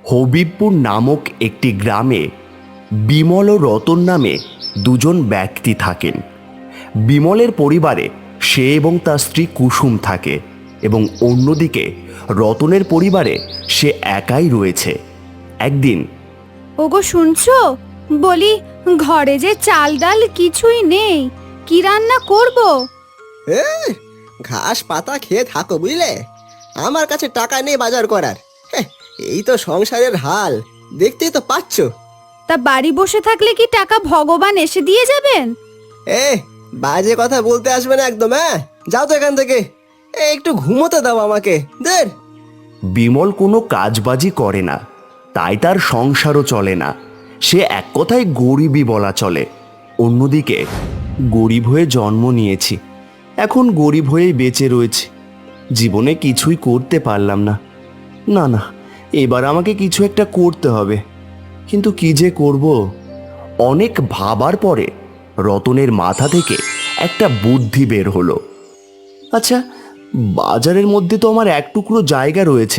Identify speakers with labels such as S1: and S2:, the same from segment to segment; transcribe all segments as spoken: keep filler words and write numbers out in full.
S1: হবিবপুর নামক একটি গ্রামে বিমল ও রতন নামে দুজন ব্যক্তি থাকেন। বিমলের পরিবারে সে এবং তার স্ত্রী কুসুম থাকে এবং অন্যদিকে রতনের পরিবারে সে একাই রয়েছে। একদিন,
S2: ওগো শুনছো, বলি ঘরে যে চাল ডাল কিছুই নেই, কি রান্না করব?
S3: এ, ঘাস পাতা খেয়ে থাকো বুঝলে, আমার কাছে টাকা নেই বাজার করার। হ্যাঁ, এই তো সংসারের হাল, দেখতেই তো পাচ্ছ।
S2: তা বাড়ি বসে থাকলে কি টাকা ভগবান এসে দিয়ে যাবেন?
S3: এ, বাজে কথা বলতে আসবে না একদম। হ্যাঁ, যাও তো এখান থেকে। এ, একটু ঘুমোতে দাও আমাকে। দের
S1: বিমল কোনো কাজবাজি করে না, তাই তার সংসারও চলে না। সে এক কথায় গরিবই বলা চলে। অন্যদিকে গরিব হয়ে জন্ম নিয়েছি, এখন গরিব হয়েই বেঁচে রয়েছি। জীবনে কিছুই করতে পারলাম না। না না, এবার আমাকে কিছু একটা করতে হবে, কিন্তু কি যে করব? অনেক ভাবার পরে রতনের মাথা থেকে একটা বুদ্ধি বের হলো। আচ্ছা, বাজারের মধ্যে তো আমার এক টুকরো জায়গা রয়েছে,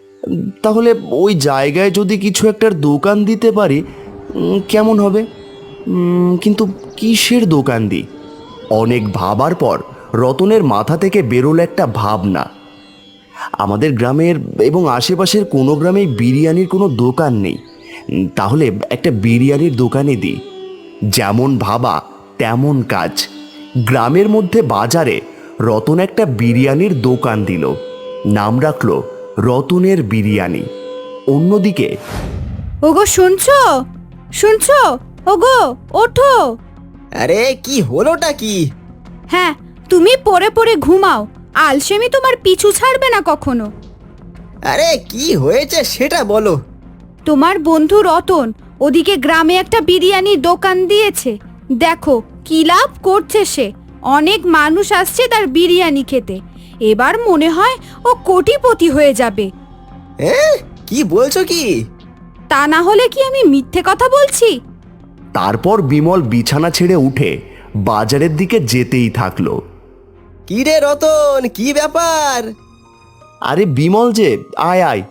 S1: তাহলে ওই জায়গায় যদি কিছু একটার দোকান দিতে পারি উম, কেমন হবে? উম, কিন্তু কিসের দোকান দিই? অনেক ভাবার পর রতনের মাথা থেকে বেরোলো একটা ভাবনা। আমাদের গ্রামের এবং আশেপাশের কোনো গ্রামেই বিরিয়ানির কোনো দোকান নেই, উম, তাহলে একটা বিরিয়ানির দোকানে দিই। যেমন ভাবা তেমন কাজ। গ্রামের মধ্যে বাজারে রতন একটা বিরিয়ানির দোকান দিল, নাম রাখলো রতনের বিরিয়ানি। অন্যদিকে,
S2: ওগো শুনছো, শুনছো, ওগো ওঠো।
S3: আরে কি হলোটা কি?
S2: হ্যাঁ, তুমি পড়ে পড়ে ঘুমাও, আলসেমি তোমার পিছু ছাড়বে না কখনো।
S3: আরে কি হয়েছে সেটা বলো।
S2: তোমার বন্ধু রতন ওদিকে গ্রামে একটা বিরিয়ানির দোকান দিয়েছে, দেখো কি লাভ করছে সে। অনেক মানুষ আসছে তার বিরিয়ানি খেতে, এবার মনে হয় ও কোটিপতি হয়ে যাবে।
S3: এ, কি বলছো কি?
S2: তা না হলে কি আমি মিথ্যে কথা বলছি?
S1: তারপর বিমল বিছানা ছেড়ে উঠে বাজারের দিকে যেতেই থাকলো।
S3: কি রে রতন, কি ব্যাপার?
S1: আরে বিমল যে, আয় আয়।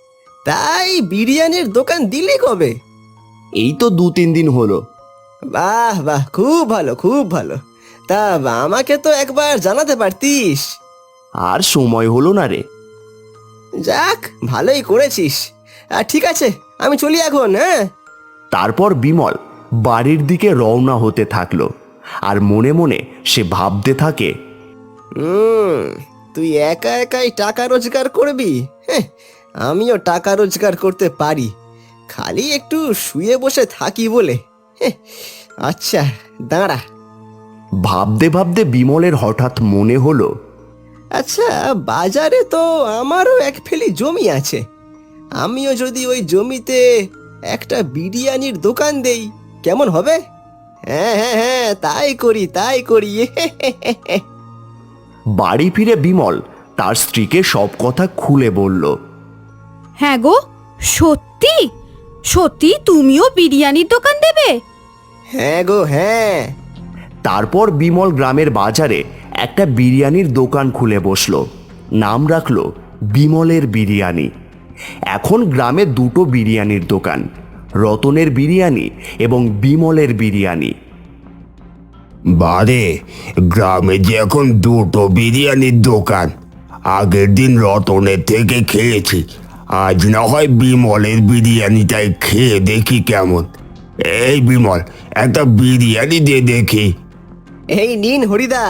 S3: তাই বিরিয়ানির দোকান দিলি কবে?
S1: এই তো দু তিন দিন হলো।
S3: বাহ বাহ, খুব ভালো খুব ভালো। তা আমাকে তো একবার জানাতে পারতিস।
S1: আর সময় হলো না রে।
S3: যাক, ভালোই করেছিস। আর ঠিক আছে, আমি চলি এখন। হ্যাঁ,
S1: তারপর বিমল বাড়ির দিকে রওনা হতে থাকলো, আর মনে মনে সে ভাবতে থাকে,
S3: হুম, তুই একা একাই টাকা রোজগার করবি? হ্যাঁ, আমিও টাকা রোজগার করতে পারি, খালি একটু শুয়ে বসে থাকি বলে। হ্যাঁ, আচ্ছা দাঁড়া।
S1: ভাবতে ভাবতে বিমলের হঠাৎ মনে হলো,
S3: আচ্ছা, বাজারে তো আমারও এক ফেলি জমি আছে, আমিও যদি ওই জমিতে একটা বিরিয়ানির দোকান দেই কেমন হবে? হ্যাঁ হ্যাঁ হ্যাঁ, তাই করি তাই করি।
S1: বাড়ি ফিরে বিমল তার স্ত্রীকে সব কথা খুলে বলল।
S2: হ্যাঁ গো, সত্যি সত্যি তুমিও বিরিয়ানির দোকান দেবে?
S3: হ্যাঁ গো হ্যাঁ।
S1: তারপর বিমল গ্রামের বাজারে একটা বিরিয়ানির দোকান খুলে বসলো, নাম রাখলো বিমলের বিরিয়ানি। এখন গ্রামে দুটো বিরিয়ানির দোকান, রতনের বিরিয়ানি এবং বিমলের বিরিয়ানি।
S4: বারে, গ্রামে যে এখন দুটো বিরিয়ানির দোকান। আগের দিন রতনের থেকে খেয়েছি, আজ না হয় বিমলের বিরিয়ানিটাই খেয়ে দেখি কেমন। এই বিমল, একটা বিরিয়ানি দিয়ে দেখি।
S3: এই নিন হরিদা।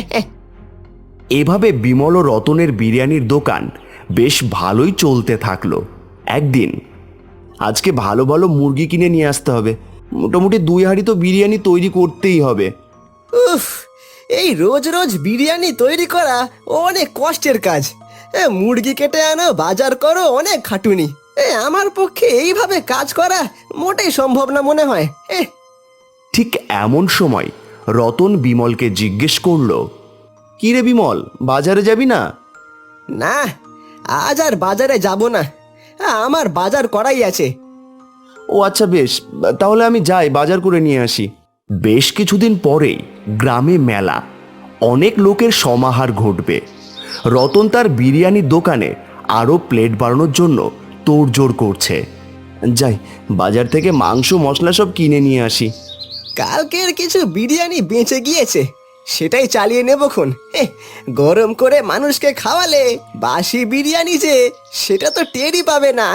S1: এভাবে বিমল ও রতনের বিরিয়ানির দোকান বেশ ভালোই চলতে থাকলো। একদিন, আজকে ভালো ভালো মুরগি কিনে নিয়ে আসতে হবে, মোটামুটি দুই হাঁড়ি তো বিরিয়ানি তৈরি করতেই হবে।
S3: উফ, এই রোজ রোজ বিরিয়ানি তৈরি করা অনেক কষ্টের কাজ। এ, মুরগি কেটে আনো, বাজার করো, অনেক খাটুনি। এ, আমার পক্ষে এইভাবে কাজ করা মোটেই সম্ভব না মনে হয়। এ,
S1: ঠিক এমন সময় রতন বিমলকে জিজ্ঞেস করলো, কি রে বিমল, বাজারে যাবি না?
S3: না, আজ আর বাজারে যাব না, আমার বাজার করাই আছে।
S1: ও আচ্ছা বেশ, তাহলে আমি যাই, বাজার করে নিয়ে আসি। বেশ কিছুদিন পরেই গ্রামে মেলা, অনেক লোকের সমাহার ঘটবে। রতন তার বিরিয়ানির দোকানে আরও প্লেট বাড়ানোর জন্য তোড়জোড় করছে। যাই, বাজার থেকে মাংস মশলা সব কিনে নিয়ে আসি।
S3: কালকের কিছু বিরিয়ানি বেঁচে গিয়েছে, সেটাই চালিয়ে নেবক্ষণ। হেহ, গরম করে মানুষকে খাওয়ালে বাসি বিরিয়ানি যে সেটা তো টেরই পাবে না।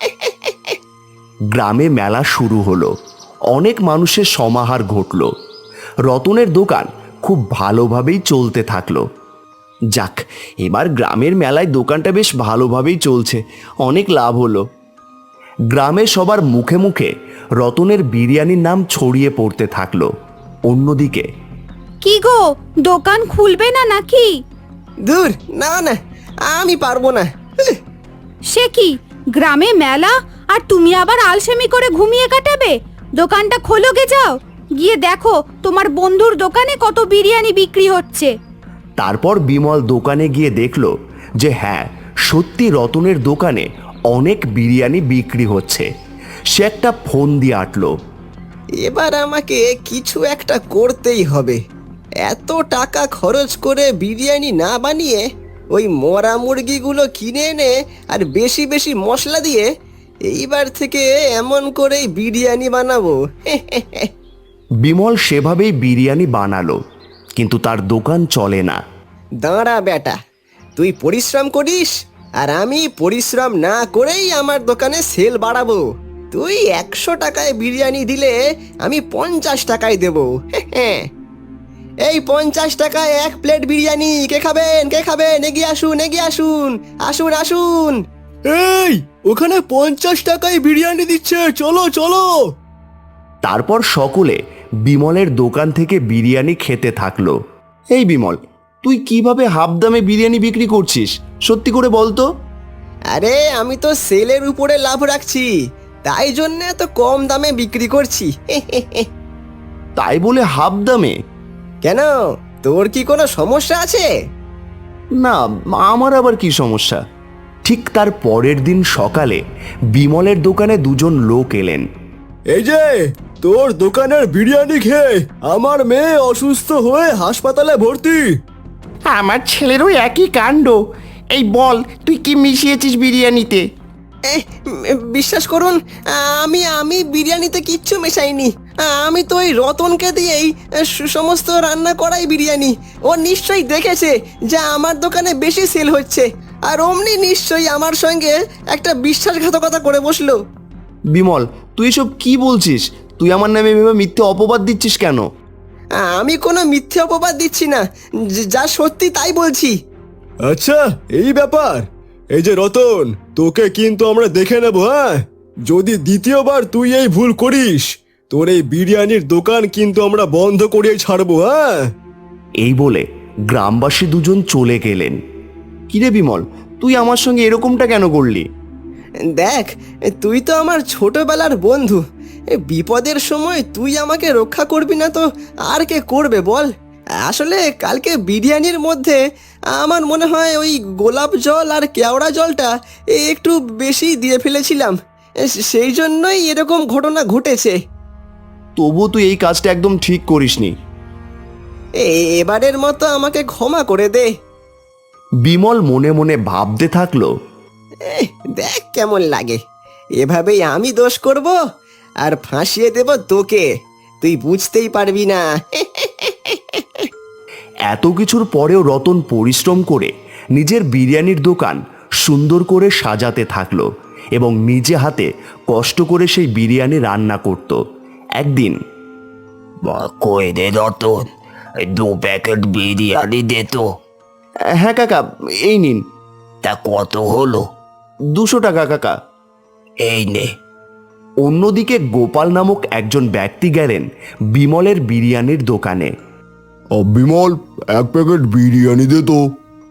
S1: গ্রামে মেলা শুরু হলো, অনেক মানুষের সমাহার ঘটল। রতনের দোকান খুব ভালোভাবেই চলতে থাকলো। যাক, এবার গ্রামের মেলায় দোকানটা বেশ ভালোভাবেই চলছে, অনেক লাভ হলো। গ্রামে সবার মুখে মুখে রতনের বিরিয়ানির নাম ছড়িয়ে পড়তে থাকলো। অন্যদিকে,
S2: কি গো, দোকান খুলবে না নাকি?
S3: দূর, না না, আমি পারবো না। উহ,
S2: সে কি, গ্রামে মেলা আর তুমি আবার আলসেমি করে ঘুমিয়ে কাটাবে? দোকানটা খোলো গে, যাও গিয়ে দেখো তোমার বন্ধুর দোকানে কত বিরিয়ানি বিক্রি হচ্ছে।
S1: তারপর বিমল দোকানে গিয়ে দেখল যে হ্যাঁ, সত্যি রতনের দোকানে অনেক বিরিয়ানি বিক্রি হচ্ছে। সে একটা ফোন দিয়ে আটলো।
S3: এবার আমাকে কিছু একটা করতেই হবে। এত টাকা খরচ করে বিরিয়ানি না বানিয়ে ওই মরা মুরগিগুলো কিনে এনে আর বেশি বেশি মশলা দিয়ে এইবার থেকে এমন করেই বিরিয়ানি বানাবো।
S1: বিমল সেভাবেই বিরিয়ানি বানালো, কিন্তু তার দোকান চলে না।
S3: দাঁড়া বেটা, তুই পরিশ্রম করিস আর আমি পরিশ্রম না করেই আমার দোকানে সেল বাড়াবো। তুই একশো টাকায় বিরিয়ানি দিলে আমি পঞ্চাশ টাকায় দেবো। এই পঞ্চাশ টাকায় এক প্লেট বিরিয়ানি, কে খাবেন কে খাবেন, এগিয়ে আসুন এগিয়ে আসুন, আসুন আসুন। এই, ওখানে পঞ্চাশ টাকায় বিরিয়ানি দিচ্ছে, চলো চলো।
S1: তারপর সকলে বিমলের দোকান থেকে বিরিয়ানি খেতে থাকলো। এই বিমল, তুই কিভাবে হাফ দামে বিরিয়ানি বিক্রি করছিস, সত্যি করে বলতো?
S3: আরে আমি তো সেলের উপরে লাভ রাখছি, তাই জন্য এত কম দামে বিক্রি করছি।
S1: তাই বলে হাফ দামে?
S3: কেন, তোর কি কোনো সমস্যা আছে?
S1: না, আমার আবার কি সমস্যা? ঠিক তার পরের দিন সকালে বিমলের দোকানে দুজন লোক এলেন।
S3: এই যে, তোর দোকানের বিরিয়ানি খেয়ে আমার মেয়ে অসুস্থ হয়ে হাসপাতালে ভর্তি।
S5: আমার ছেলেরও একই কাণ্ড। এই বল, তুই কি মিশিয়েছিস বিরিয়ানিতে?
S3: এ, বিশ্বাস করুন, আমি আমি বিরিয়ানিতে কিচ্ছু মেশাইনি। আমি তো ওই রতনকে দিয়েই সমস্ত রান্না করাই বিরিয়ানি। ও নিশ্চয়ই দেখেছে যে আমার দোকানে বেশি সেল হচ্ছে, আর অমনি নিশ্চয়ই আমার সঙ্গে একটা বিশ্বাসঘাতকতা করে বসলো।
S1: বিমল, তুই এসব কি বলছিস? তুই আমার নামে এভাবে মিথ্যে অপবাদ দিচ্ছিস কেন?
S3: আমি কোনো মিথ্যে অপবাদ দিচ্ছি না, যা সত্যি তাই বলছি।
S6: আচ্ছা, এই ব্যাপার। এই যে রতন, তোকে কিন্তু আমরা দেখে নেব। হ্যাঁ, যদি দ্বিতীয়বার তুই এই ভুল করিস, তোর এই বিরিয়ানির দোকান কিন্তু আমরা বন্ধ করে ছাড়বো। হ্যাঁ,
S1: এই বলে গ্রামবাসী দুজন চলে গেলেন। কিরে বিমল, তুই আমার সঙ্গে এরকমটা কেন করলি?
S3: দেখ, তুই তো আমার ছোটবেলার বন্ধু। বিপদের সময় তুই আমাকে রক্ষা করবি না তো আর কে করবে বল? আসলে কালকে বিরিয়ানির মধ্যে আমার মনে হয় ওই গোলাপ জল আর কেওড়া জলটা একটু বেশি দিয়ে ফেলেছিলাম, সেই জন্যই এরকম ঘটনা ঘটেছে।
S1: তবু তুই এই কাজটা একদম ঠিক করিসনি।
S3: এবারের মতো আমাকে ক্ষমা করে দে।
S1: বিমল মনে মনে ভাবতে থাকলো,
S3: এহ, দেখ কেমন লাগে। এভাবেই আমি দোষ করব আর ফাঁসিয়ে দেব তোকে, তুই বুঝতেই পারবি না।
S1: এত কিছুর পরেও রতন পরিশ্রম করে নিজের বিরিয়ানির দোকান সুন্দর করে সাজাতে থাকলো এবং নিজে হাতে কষ্ট করে সেই বিরিয়ানি রান্না করত। একদিন,
S4: কই দে রতন, এই দু প্যাকেট বিরিয়ানি দে তো।
S1: হ্যাঁ কাকা, এই নিন।
S4: তা কত হলো?
S1: দুশো টাকা কাকা।
S4: এই নে।
S1: অন্যদিকে গোপাল নামক একজন ব্যক্তি গেলেন বিমলের বিরিয়ানির দোকানে।
S6: বিমল, এক প্যাকেট বিরিয়ানি দে তো।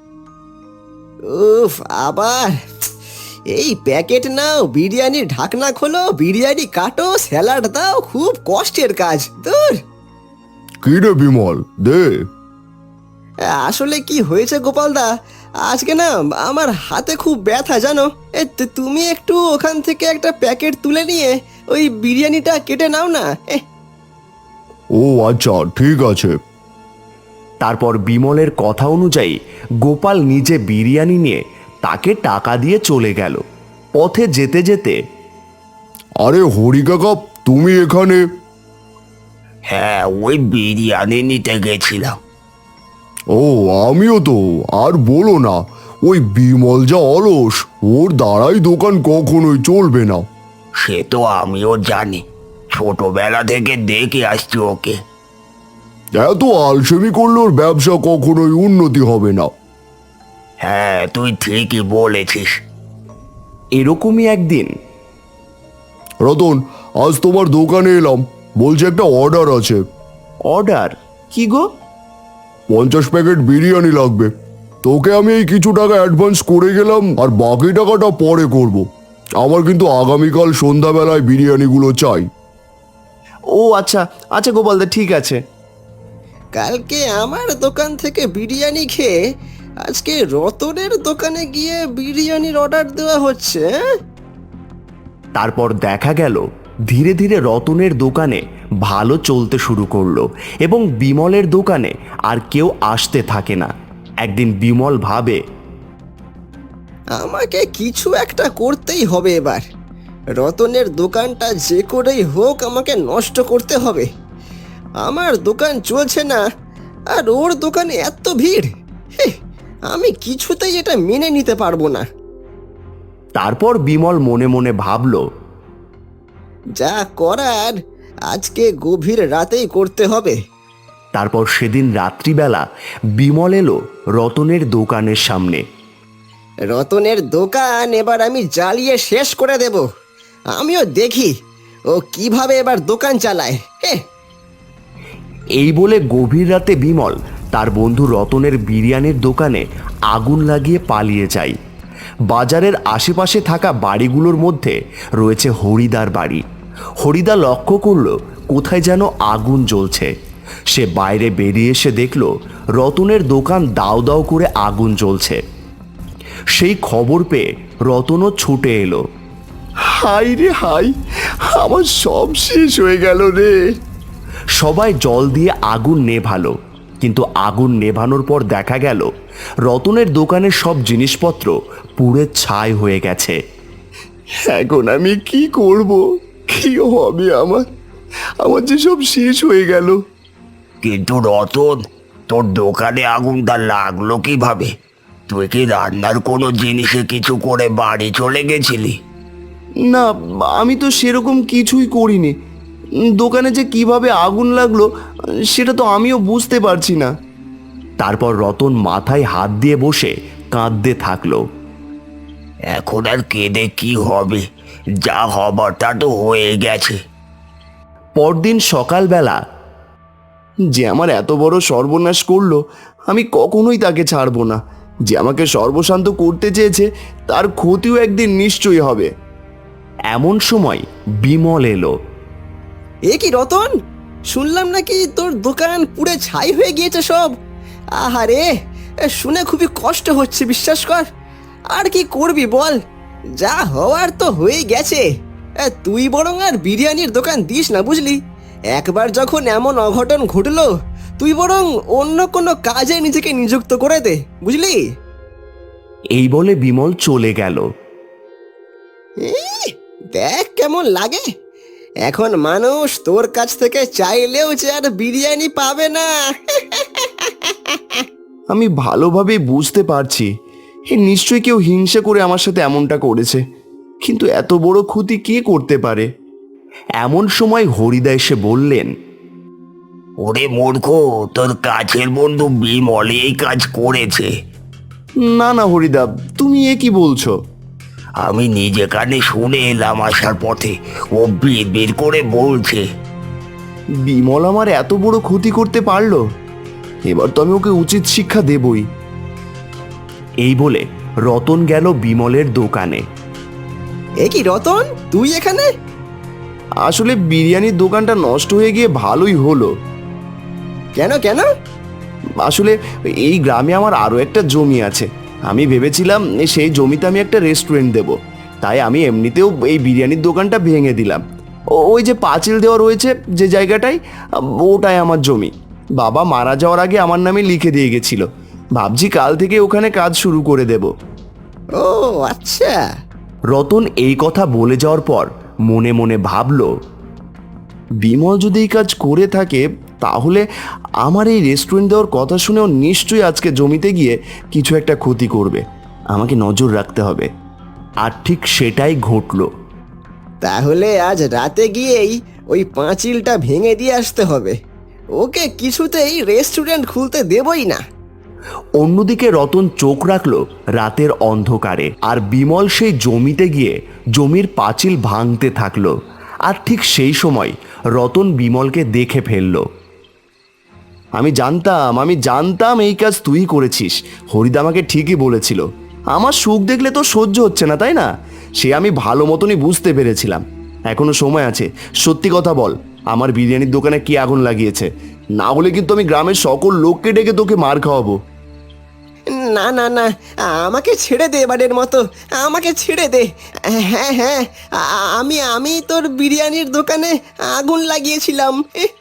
S3: উফ, আবার এই প্যাকেট নাও, বিরিয়ানির ঢাকনা খোলো, বিরিয়ানি কাটো, স্যালাড দাও, খুব কষ্টের কাজ। দূর।
S6: কি রে বিমল, দে।
S3: আসলে কি হয়েছে গোপালদা, আজকে না আমার হাতে খুব ব্যথা জানো। এ, তু- তুমি একটু ওখান থেকে একটা প্যাকেট তুলে নিয়ে ওই বিরিয়ানিটা কেটে নাও না। এহ,
S6: ও আচ্ছা, ঠিক আছে।
S1: তারপর বিমলের কথা অনুযায়ী গোপাল নিজে বিরিয়ানি নিয়ে তাকে টাকা দিয়ে চলে গেল। পথে যেতে যেতে,
S6: আরে হরি কাকা, তুমি এখানে?
S4: হ্যাঁ, ওই বিরিয়ানি নিতে গেছিলাম।
S6: ও, আমিও তো। আর বলো না, ওই বিমল যা অলস, ওর দ্বারাই দোকান কখনোই চলবে না।
S4: সে তো আমিও জানি, ছোটবেলা থেকে দেখে আসছি ওকে।
S6: এত আলসেমি করলে ওর ব্যবসা কখনোই উন্নতি হবে না।
S4: হ্যাঁ, তুই ঠিকই বলেছিস।
S1: এরকমই একদিন
S6: রতন, আজ তোমার দোকানে এলাম, বলছে একটা অর্ডার আছে।
S1: অর্ডার? কি গো?
S6: পঞ্চাশ প্যাকেট বিরিয়ানি লাগবে। তোকে আমি এই কিছু টাকা অ্যাডভান্স করে গেলাম, আর বাকি টাকাটা পরে করব। আমার কিন্তু আগামীকাল সন্ধ্যাবেলায় বিরিয়ানিগুলো চাই।
S1: ও আচ্ছা আচ্ছা গোপালদা, ঠিক আছে।
S3: কালকে আমার দোকান থেকে বিরিয়ানি খেয়ে আজকে রতনের দোকানে গিয়ে বিরিয়ানির অর্ডার দেওয়া হচ্ছে, হ্যাঁ?
S1: তারপর দেখা গেল ধীরে ধীরে রতনের দোকানে ভালো চলতে শুরু করলো এবং বিমলের দোকানে আর কেউ আসতে থাকে না। একদিন বিমল ভাবে,
S3: আমাকে কিছু একটা করতেই হবে এবার। রতনের দোকানটা যে করেই হোক আমাকে নষ্ট করতে হবে। আমার দোকান চলছে না, আর ওর দোকানে এত ভিড়। হে, আমি কিছুতেই এটা মেনে নিতে পারবো না।
S1: তারপর বিমল মনে মনে ভাবল,
S3: যা করার আজকে গভীর রাতেই করতে হবে।
S1: তারপর সেদিন রাত্রিবেলা বিমল এলো রতনের দোকানের সামনে।
S3: রতনের দোকান এবার আমি জ্বালিয়ে শেষ করে দেব। আমিও দেখি ও কিভাবে এবার দোকান চালায়। হে,
S1: এই বলে গভীর রাতে বিমল তার বন্ধু রতনের বিরিয়ানির দোকানে আগুন লাগিয়ে পালিয়ে যায়। বাজারের আশেপাশে থাকা বাড়িগুলোর মধ্যে রয়েছে হরিদার বাড়ি। হরিদা লক্ষ্য করল কোথায় যেন আগুন জ্বলছে। সে বাইরে বেরিয়ে এসে দেখল রতনের দোকান দাও দাও করে আগুন জ্বলছে। সেই খবর পেয়ে রতনও ছুটে এলো।
S6: হাই রে হাই, আমার সব শেষ হয়ে গেল রে।
S1: সবাই জল দিয়ে আগুন নেভালো, কিন্তু আগুন নেভানোর পর দেখা গেল রতনের দোকানের সব জিনিসপত্র পুড়ে ছাই হয়ে গেছে।
S6: এখন আমি কি করব? কি হবে আমার? আমার যে সব শেষ হয়ে গেল।
S4: কিন্তু রতন, তোর দোকানে আগুনটা লাগলো কিভাবে? তুই কি রান্নার কোনো জিনিসে কিছু করে বাড়ি চলে গেছিলি?
S1: না, আমি তো সেরকম কিছুই করিনি। দোকানে যে কিভাবে আগুন লাগলো সেটা তো আমিও বুঝতে পারছি না। তারপর রতন মাথায় হাত দিয়ে বসে কাঁদতে থাকলো।
S4: এখন আর কেঁদে কি হবে? যা হবার তা তো হয়ে গেছে।
S1: পরদিন সকালবেলা,
S6: যে আমার এত বড় সর্বনাশ করলো, আমি কখনোই তাকে ছাড়বো না। যে আমাকে সর্বশান্ত করতে চেয়েছে, তার ক্ষতিও একদিন নিশ্চয়ই হবে।
S1: এমন সময় বিমল এলো।
S3: এ কি রতন, শুনলাম নাকি তোর দোকান পুড়ে ছাই হয়ে গিয়েছে সব। আহারে, এ শুনে খুবই কষ্ট হচ্ছে, বিশ্বাস কর। আর কি করবি বল, যা হওয়ার তো হয়ে গেছে। এ, তুই বরং আর বিরিয়ানির দোকান দিস না, বুঝলি? একবার যখন এমন অঘটন ঘটলো, তুই বরং অন্য কোনো কাজে নিজেকে নিযুক্ত করে দে, বুঝলি?
S1: এই বলে বিমল চলে গেল।
S3: এই, দেখ কেমন লাগে। এখন মানুষ তোর কাছ থেকে চাইলেও যে আর বিরিয়ানি পাবে না।
S6: আমি ভালোভাবে বুঝতে পারছি, এ নিশ্চয়ই কেউ হিংসা করে আমার সাথে এমনটা করেছে, কিন্তু এত বড় ক্ষতি কে করতে পারে?
S1: এমন সময় হরিদা এসে বললেন,
S4: ওরে মূর্খ, তোর কাছের বন্ধু বিমল এই কাজ করেছে।
S6: না না হরিদা, তুমি এ কি বলছো?
S4: আমি নিজে কানে শুনে এলাম আসার পথে। ও বিড় বিড় করে বলছে।
S6: বিমল আমার এত বড় ক্ষতি করতে পারলো? এবার তো আমি ওকে উচিত শিক্ষা দেবই।
S1: এই বলে রতন গেল বিমলের দোকানে।
S3: এ কি রতন, তুই এখানে?
S6: আসলে বিরিয়ানির দোকানটা নষ্ট হয়ে গিয়ে ভালোই হলো।
S3: কেন কেন?
S6: আসলে এই গ্রামে আমার আরও একটা জমি আছে। আমি ভেবেছিলাম সেই জমিতে আমি একটা রেস্টুরেন্ট দেব, তাই আমি এমনিতেও এই বিরিয়ানির দোকানটা ভেঙে দিলাম। ও- ওই যে পাঁচিল দেওয়া রয়েছে যে জায়গাটায়, ওটাই আমার জমি। বাবা মারা যাওয়ার আগে আমার নামে লিখে দিয়ে গেছিল। ভাবছি কাল থেকে ওখানে কাজ শুরু করে দেব।
S3: ও আচ্ছা।
S1: রতন এই কথা বলে যাওয়ার পর মনে মনে ভাবল, বিমল যদি এই কাজ করে থাকে তাহলে আমার এই রেস্টুরেন্ট দেওয়ার কথা শুনেও নিশ্চয়ই আজকে জমিতে গিয়ে কিছু একটা ক্ষতি করবে। আমাকে নজর রাখতে হবে। আর ঠিক সেটাই ঘটলো।
S3: তাহলে আজ রাতে গিয়েই ওই পাঁচিলটা ভেঙে দিয়ে আসতে হবে। ওকে কিছুতেই রেস্টুরেন্ট খুলতে দেবই না।
S1: অন্যদিকে রতন চোখ রাখলো রাতের অন্ধকারে, আর বিমল সেই জমিতে গিয়ে জমির পাঁচিল ভাঙতে থাকলো। আর ঠিক সেই সময় রতন বিমলকে দেখে ফেলল। আমি জানতাম আমি জানতাম এই কাজ তুই করেছিস। হরিদা আমাকে ঠিকই বলেছিল। আমার সুখ দেখলে তো সহ্য হচ্ছে না, তাই না? সে আমি ভালো মতনই বুঝতে পেরেছিলাম। এখনো সময় আছে, সত্যি কথা বল, আমার বিরিয়ানির দোকানে কি আগুন লাগিয়েছে? না হলে কিন্তু আমি গ্রামের সকল লোককে ডেকে তোকে মার খাওয়াবো।
S3: না না না, আমাকে ছেড়ে দে এবারের মতো, আমাকে ছেড়ে দে। হ্যাঁ হ্যাঁ, আ- আমি আমি তোর বিরিয়ানির দোকানে আগুন লাগিয়েছিলাম।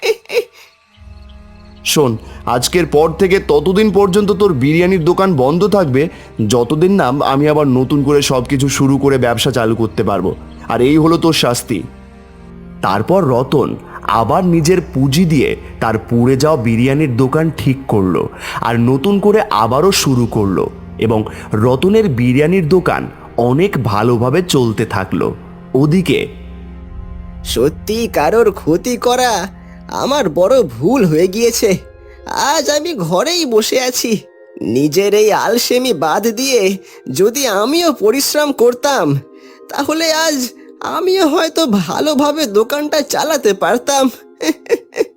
S1: শোন, আজকের পর থেকে ততদিন পর্যন্ত তোর বিরিয়ানির দোকান বন্ধ থাকবে যতদিন না আমি আবার নতুন করে সব কিছু শুরু করে ব্যবসা চালু করতে পারবো। আর এই হলো তোর শাস্তি। তারপর রতন আবার নিজের পুঁজি দিয়ে তার পুড়ে যাওয়া বিরিয়ানির দোকান ঠিক করলো আর নতুন করে আবারও শুরু করলো, এবং রতনের বিরিয়ানির দোকান অনেক ভালোভাবে চলতে থাকলো। ওদিকে
S3: সত্যি কারোর ক্ষতি করা আমার বড় ভুল হয়ে গিয়েছে। আজ আমি ঘরেই বসে আছি। নিজের এই আলসেমি বাদ দিয়ে যদি আমিও পরিশ্রম করতাম তাহলে আজ আমিও হয়তো ভালোভাবে দোকানটা চালাতে পারতাম।